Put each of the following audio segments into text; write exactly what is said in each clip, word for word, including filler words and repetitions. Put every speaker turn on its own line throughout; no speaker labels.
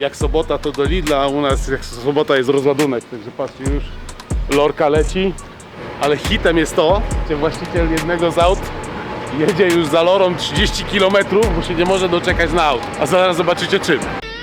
Jak sobota to do Lidla, a u nas jak sobota jest rozładunek, także patrzcie, już lorka leci, ale hitem jest to, że właściciel jednego z aut jedzie już za lorą trzydzieści kilometrów, bo się nie może doczekać na aut, a zaraz zobaczycie czym.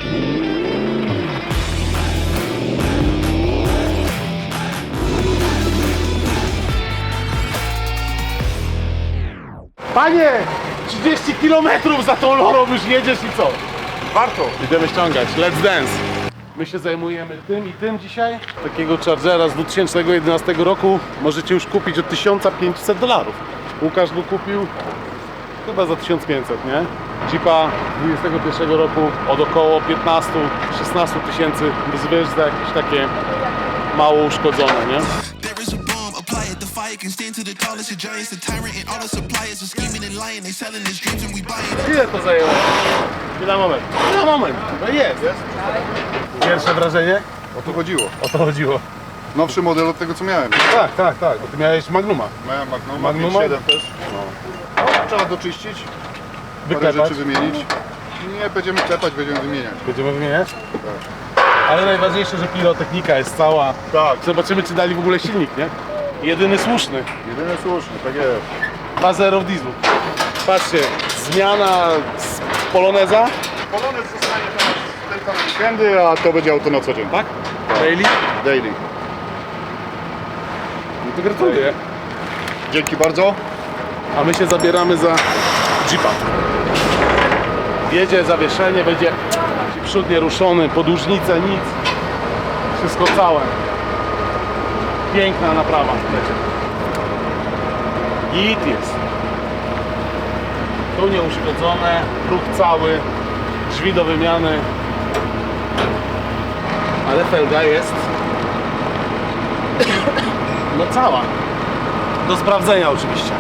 Panie, trzydzieści kilometrów za tą lorą już jedziesz i co?
Warto!
Idziemy ściągać, let's dance! My się zajmujemy tym i tym dzisiaj. Takiego Chargera z dwa tysiące jedenastego roku możecie już kupić od tysiąc pięćset dolarów. Łukasz go kupił chyba za tysiąc pięćset, nie? Jeepa dwudziestego pierwszego roku od około piętnaście do szesnastu tysięcy bez wyjść za jakieś takie mało uszkodzone, nie? Ile to zajęło? Chwila, moment. Chwila, moment. No jest. jest. Pierwsze wrażenie?
O to chodziło.
O to chodziło.
Nowszy model od tego co miałem.
Tak, tak, tak, bo ty miałeś Magnuma.
Miałem Magnuma,
Magnuma?
pięć siedem też. No. Trzeba doczyścić, parę
Wyklepać.
rzeczy wymienić. Nie będziemy klepać, będziemy wymieniać.
Będziemy wymieniać?
Tak.
Ale najważniejsze, że pirotechnika jest cała.
Tak.
Zobaczymy, czy dali w ogóle silnik, nie? Jedyny słuszny.
Jedyne słuszne, tak jest.
dwa zero w dieslu. Patrzcie, zmiana z Poloneza,
Polonez zostanie teraz tylko na weekendy, a to będzie auto na co dzień.
tak? Daily.
Daily.
No to gratuluję.
Dzięki bardzo.
A my się zabieramy za Jeepa. Jedzie zawieszenie, będzie przód nieruszony, podłużnice, nic. Wszystko całe. Piękna naprawa. Git jest. Tu nieuszkodzone, próg cały, drzwi do wymiany. Ale felga jest no cała. Do sprawdzenia oczywiście.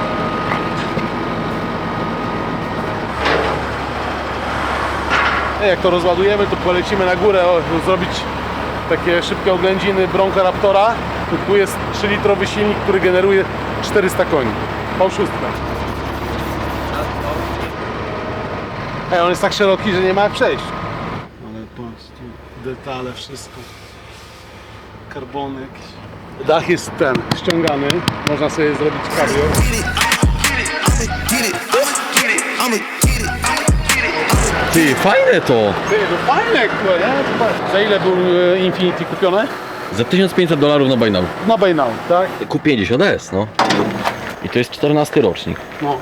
Jak to rozładujemy, to polecimy na górę o, zrobić takie szybkie oględziny Bronca Raptora. Tu jest trzylitrowy silnik, który generuje czterysta koni. V sześć. Ej, on jest tak szeroki, że nie ma jak przejść. Ale patrz, tu detale, wszystko. Karbony jakieś. Dach jest ten, ściągany. Można sobie zrobić cabrio.
Ty, fajne to!
Ty, to fajne, kurde, nie? Za ile był e, Infiniti kupione?
Za tysiąc pięćset dolarów na buy now.
Na buy now, tak?
Q pięćdziesiąt S, no. I to jest czternasty rocznik.
No.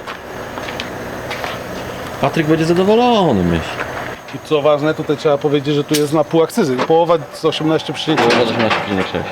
Patryk będzie zadowolony, myślę.
I co ważne, tutaj trzeba powiedzieć, że tu jest na pół akcyzy. Połowa z osiemnaście przecinek sześć.
Połowa osiemnaście przecinek sześć.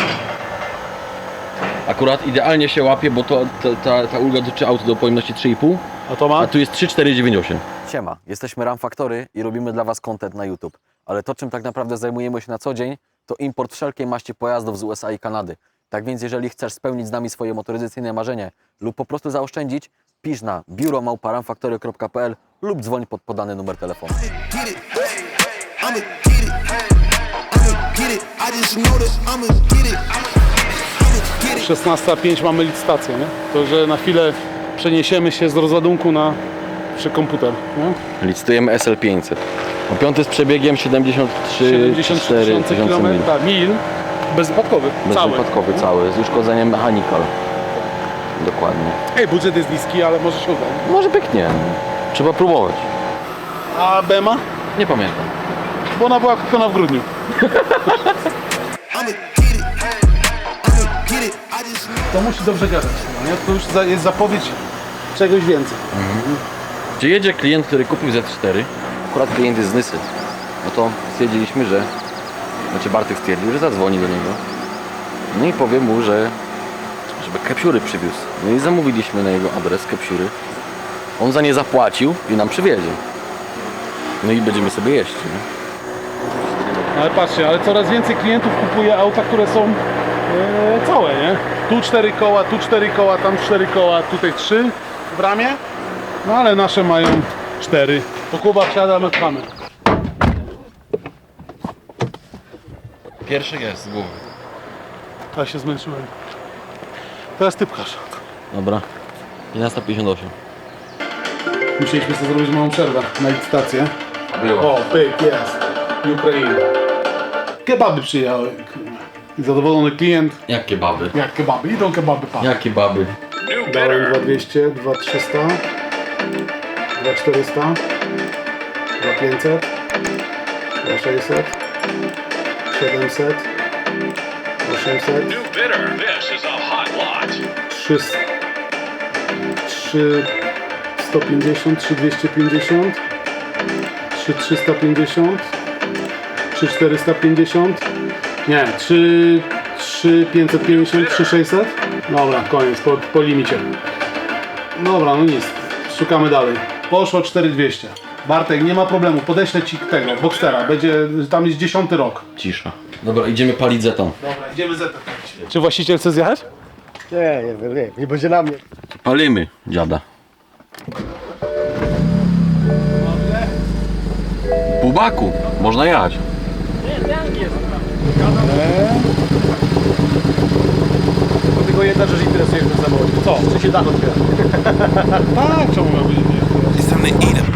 Akurat idealnie się łapie, bo to, ta, ta, ta ulga dotyczy auto do pojemności trzy i pół,
A to ma?
a tu jest trzy cztery dziewięć osiem.
Siema, jesteśmy Ram Factory i robimy dla Was content na YouTube. Ale to, czym tak naprawdę zajmujemy się na co dzień, to import wszelkiej maści pojazdów z U S A i Kanady. Tak więc jeżeli chcesz spełnić z nami swoje motoryzacyjne marzenie lub po prostu zaoszczędzić, pisz na biuro małpa ramfactory kropka p l lub dzwoń pod podany numer telefonu.
szesnasta pięć mamy licytację, nie? To, że na chwilę przeniesiemy się z rozładunku na przy komputer, nie?
Licytujemy S L pięćset. O piąty z przebiegiem siedemdziesiąt trzy
siedemdziesiąt trzy
cztery
tysiące
tysiące mil.
kilometrów, mil, bezwypadkowy, cały.
Bezwypadkowy cały, z uszkodzeniem mechanical. Dokładnie.
Ej, budżet jest niski, ale może się uda.
Może pyknie. Trzeba próbować.
A B M A?
Nie pamiętam.
Bo ona była kupiona w grudniu. To musi dobrze gadać, nie? To już za- jest zapowiedź czegoś więcej.
Czy jedzie klient, który kupił Z cztery? Akurat klient jest z Nysy. No to stwierdziliśmy, że... Znaczy Bartek stwierdził, że zadzwoni do niego. No i powie mu, że... żeby kepsiury przywiózł. No i zamówiliśmy na jego adres kepsiury. On za nie zapłacił i nam przywiezie. No i będziemy sobie jeść, nie?
Ale patrzcie, ale coraz więcej klientów kupuje auta, które są e, całe, nie? Tu cztery koła, tu cztery koła, tam cztery koła, tutaj trzy w ramie. No ale nasze mają cztery. To Kuba wsiada, my pchamy.
Pierwszy jest z głowy.
Ja się zmęczyłem. Teraz ty pchasz.
Dobra. jedenasta pięćdziesiąt osiem.
Musieliśmy sobie zrobić małą przerwę na licytację.
Było.
O, pyk, jest. Ukraina. Kebaby przyjechały. Zadowolony klient.
Jak kebaby?
Jak kebaby? Idą kebaby, pan.
Jak kebaby?
Dałem dwa dwieście, dwa trzysta, dwa czterysta, dwa pięćset, dwa sześćset, siedemset, osiemset, trzy sto pięćdziesiąt, trzy dwieście pięćdziesiąt, trzy trzysta pięćdziesiąt, trzy czterysta pięćdziesiąt, nie, trzy pięćset pięćdziesiąt, trzy sześćset. Dobra, koniec, po, po limicie. Dobra, no nic, szukamy dalej. Poszło cztery dwieście. Bartek, nie ma problemu, podeślę ci tego, Boxstera, będzie, tam jest dziesiąty rok.
Cisza. Dobra, idziemy palić zeton.
Dobra, idziemy z Czy właściciel chce zjechać?
Nie, nie wiem, nie, nie będzie na mnie.
Palimy, dziada. Pół baku, można jechać.
To tylko jedna rzecz interesuje mnie w samochodzie. Co? Czy się dach otwiera?
Tak, czemu miałby nie?
It's time to eat 'em.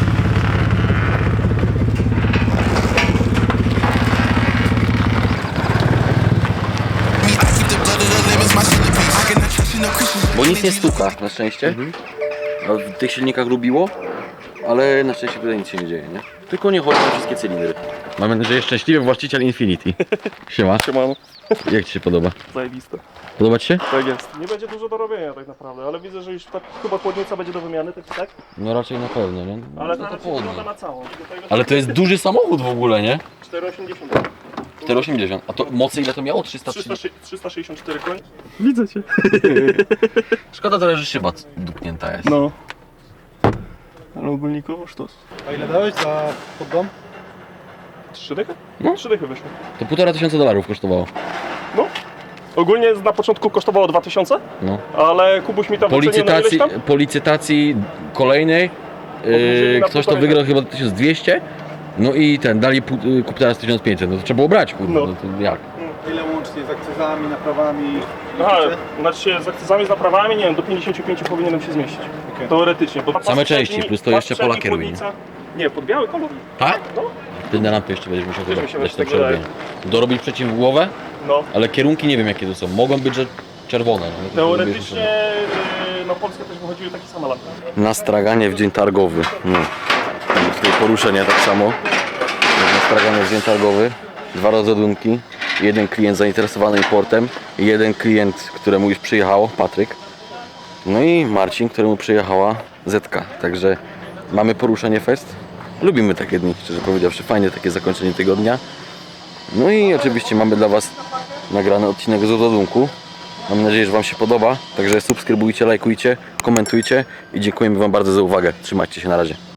Me, I keep the blood of the lemons, my centerpiece. I cannot trust you, no Christians.
Bo nic nie stuka, na szczęście. A w tych silnikach lubiło, ale na szczęście tutaj nic się nie dzieje, nie? Tylko nie chodzi na wszystkie cylindry. Mamy nadzieję, szczęśliwy właściciel Infinity. Siema.
Siemano,
Jak ci się podoba?
zajebiste.
Podoba ci się?
Tak jest. Nie będzie dużo do robienia tak naprawdę, ale widzę, że już tak, chyba chłodnica będzie do wymiany, tak tak?
No raczej na pewno, nie?
Ale
no
to
to
raczej
południe.
wygląda na całą. Tutaj
Ale to jest duży samochód w ogóle, nie?
cztery osiemdziesiąt.
cztery osiemdziesiąt. A to mocy ile to miało? trzysta
trzysta
trzydzieści?
trzysta sześćdziesiąt cztery koń. Widzę cię.
Szkoda tyle, że szyba dupnięta jest.
No. Ale ogólnikowo sztos.
A ile dałeś za poddom?
Trzy dychy?
No.
Trzy dychy wyszło.
To półtora tysiąca dolarów kosztowało.
No. Ogólnie na początku kosztowało dwa tysiące,
No.
ale Kubuś mi tam
Po
wycenił na ileś
licytacji,
tam?
po licytacji kolejnej
Obniżyli
yy,
na
ktoś to
półtorej.
wygrał chyba tysiąc dwieście. No i ten, dali pół- yy, kup teraz tysiąc pięćset. No to trzeba było brać, kurde.
No.
No. to jak?
Ile łącznie z akcyzami, naprawami?
Aha, znaczy się z akcyzami, z naprawami, nie wiem, do pięćdziesiąt pięć powinienem się zmieścić.
Okej.
Teoretycznie. Bo
Same części, plus to jeszcze
pas
pola
przedni,
kieruje,
chłodnica. Nie, pod biały kolor.
Tak?
No.
Ty na lampy jeszcze będziesz musiał
Też
chyba
mi się
dać to
tak wydaje.
przerobienie. Dorobić przeciwgłowę,
No.
ale kierunki nie wiem jakie to są. Mogą być, że czerwone. No to
Teoretycznie yy, na Polskę też wychodziły takie same lampy.
Na straganie w dzień targowy. No. Tutaj poruszenia tak samo. Na straganie w dzień targowy. Dwa rozładunki. Jeden klient zainteresowany importem. I jeden klient, któremu już przyjechało, Patryk. No i Marcin, któremu przyjechała Zetka. Także mamy poruszenie fest. Lubimy takie dni, szczerze powiedziawszy. Fajne takie zakończenie tygodnia. No i oczywiście mamy dla Was nagrany odcinek z rozładunku. Mam nadzieję, że Wam się podoba. Także subskrybujcie, lajkujcie, komentujcie i dziękujemy Wam bardzo za uwagę. Trzymajcie się, na razie.